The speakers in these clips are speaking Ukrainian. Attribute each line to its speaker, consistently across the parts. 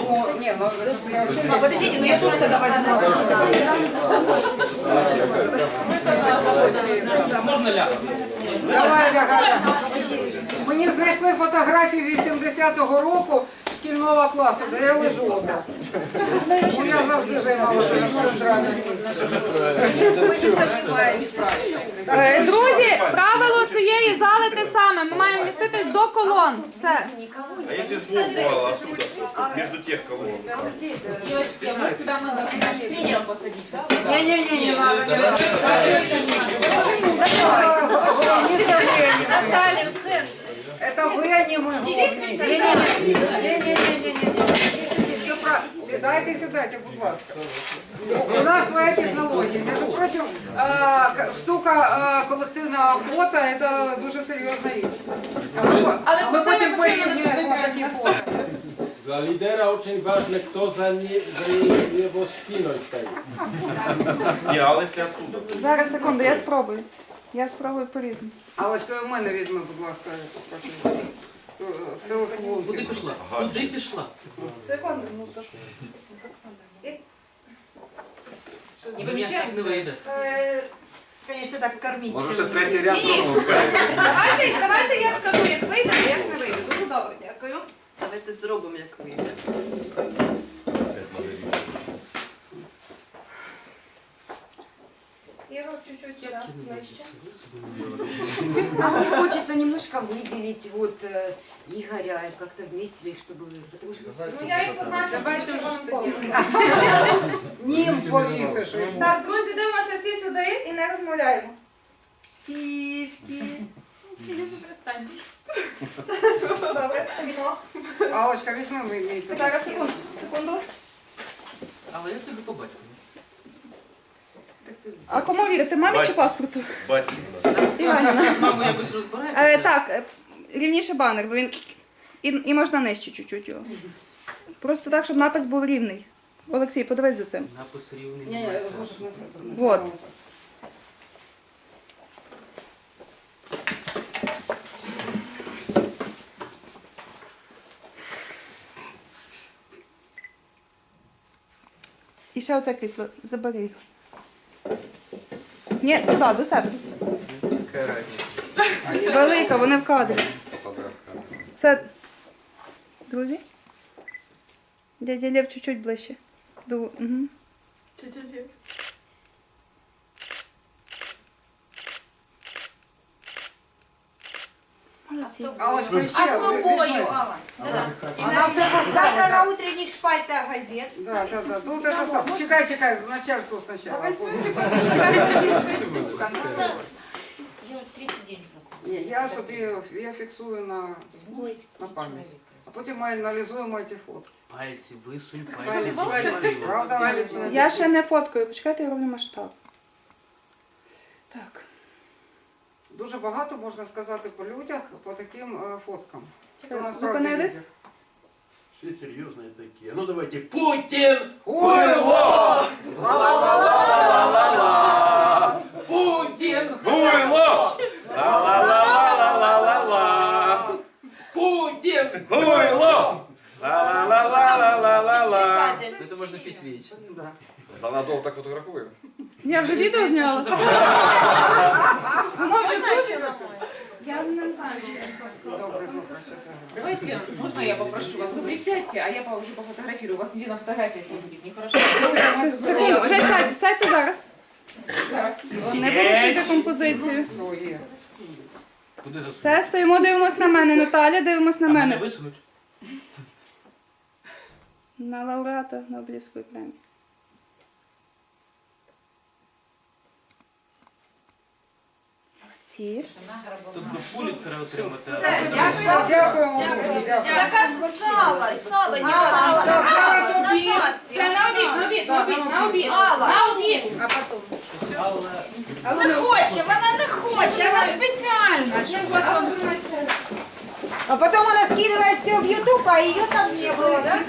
Speaker 1: Ну, не, ну, я вообще...
Speaker 2: Подождите, ну я тоже тогда возьму.
Speaker 3: Можна ляг?
Speaker 1: Давай, Галя. Мені знайшли фотографії 80-го року шкільного класу, де я лежу. Ну, я завжди займалася центральним місцем.
Speaker 4: Друзі, правило цієї зали те саме. Ми маємо міститись до колон. Все.
Speaker 5: А если сбоку, оттуда? Между тех колонн.
Speaker 6: Девочки, а может сюда мы наше тренера посадить?
Speaker 1: Не-не-не, не надо.
Speaker 2: Наталья, в центр.
Speaker 1: Это вы, а не мы. Не-не-не. Сідайте, будь ласка. У нас своя технологія. Между прочим, штука колективного фото – це дуже серйозна річ. Ми потім порівнюємо такі фото.
Speaker 3: Dla lidera очень важно, кто за его спиной стоит.
Speaker 5: Не, а если оттуда?
Speaker 4: Зараз, секунду, я спробую. Я спробую по-різному.
Speaker 1: Аллочка, у мене візьми, будь ласка, телефон.
Speaker 3: Куди пішла? Куди пішла?
Speaker 4: Секунду, ну так.
Speaker 6: Не помещаем?
Speaker 3: Не вийде.
Speaker 2: Конечно, так кормить.
Speaker 5: Може ще третій ряд зробимо.
Speaker 4: Давайте я скажу, як вийде, а як не вийде. Дуже добре, дякую.
Speaker 2: Давайте зробимо, як вийде.
Speaker 4: Ігор, чуть-чуть сюди, ближче.
Speaker 7: А мне хочется немножко выделить вот Игоря как-то вместе, чтобы... Потому что...
Speaker 4: Ну я їх позначу, давайте вам
Speaker 1: Нім повісиш.
Speaker 4: Так, друзі, дивимося всі сюди і не розмовляємо.
Speaker 1: Сіськи.
Speaker 4: Добре, стоїмо.
Speaker 1: Аллочка, візьми мій телефон.
Speaker 4: Зараз, секунду.
Speaker 3: Але я тебе побачив.
Speaker 4: А кому вірити, мамі чи паспорту?
Speaker 5: Батьків.
Speaker 4: Іваніна.
Speaker 3: Маму якось розбираєте?
Speaker 4: Так, рівніше банер, бо він... І можна нижче чуть-чуть його. Просто так, щоб напис був рівний. Олексій, подивись за цим.
Speaker 3: Напис рівний.
Speaker 1: Ні, я можеш на себе.
Speaker 4: Вот. І ще оце крісло. Забери його. Ні, туди, до себе.
Speaker 3: Яка різниця?
Speaker 4: Велика, вони в кадрі. Все. Друзі? Дядя Лев чуть-чуть ближче. Угу.
Speaker 2: Тетя Лев.
Speaker 4: Молодці.
Speaker 1: Аллочка,
Speaker 2: А
Speaker 1: ще
Speaker 2: с тобою,
Speaker 1: візьми.
Speaker 2: Алла?
Speaker 1: Вона все
Speaker 2: Завтра
Speaker 1: поставила.
Speaker 2: на утренних шпальтах газет.
Speaker 1: Да. Тут это сам. Чекай, начальство сначала.
Speaker 4: Возьмете фотографії з Фейсбука.
Speaker 6: Я 30 день жду.
Speaker 1: Ні, я собі фіксую на пам'ять. А потім ми аналізуємо ці фото.
Speaker 3: Пальці висунь,
Speaker 1: Палець,
Speaker 3: пальці
Speaker 1: палець. Правда, палець.
Speaker 4: Я ще не фоткаю. Почекайте, я роблю масштаб. Так.
Speaker 1: Дуже багато можна сказати по людях, по таким фоткам.
Speaker 4: Це
Speaker 1: У нас
Speaker 4: зупинились?
Speaker 1: справді
Speaker 3: Все серьезные такие. Ну давайте. Путин!
Speaker 1: Хуйло!
Speaker 3: Путин!
Speaker 5: Гуйло! Ла-ла-ла-ла-ла-ла-ла-ла!
Speaker 3: Путин!
Speaker 5: Гуйло! Ла-ла-ла-ла-ла-ла-ла!
Speaker 3: Это можно пить вечно.
Speaker 1: Да.
Speaker 5: Занадовго так фотографую.
Speaker 4: Я вже відео зняла.
Speaker 6: Можно еще на мой?
Speaker 4: Я не знаю.
Speaker 1: Добре, щас я зроблю.
Speaker 6: Давайте, можно я попрошу вас? Вы присядьте, а я уже пофотографирую. У вас нигде на фотографиях не будет, нехорошо.
Speaker 4: Секунду, вже сядьте зараз.
Speaker 6: Зараз.
Speaker 4: Не порушуйте композицію.
Speaker 1: О, є.
Speaker 3: Куди засунуть?
Speaker 4: Все, стоїмо, дивимось на мене. Наталя, дивимось на
Speaker 3: А мене
Speaker 4: мене.
Speaker 3: висунуть?
Speaker 4: На лауреата Нобелівської премії. Ці.
Speaker 3: Тут би Пуліцера отримати.
Speaker 1: Дякуємо.
Speaker 2: Яка сало, сало, не
Speaker 1: Зараз обід.
Speaker 4: Це на обід.
Speaker 2: Алла.
Speaker 4: На обід.
Speaker 2: Не хоче, вона не хоче, вона спеціально. А потом она скидывает все в YouTube, а ее там не было, да?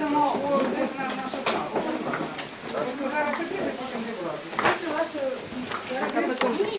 Speaker 1: Зараз хотіли, потім зібрати.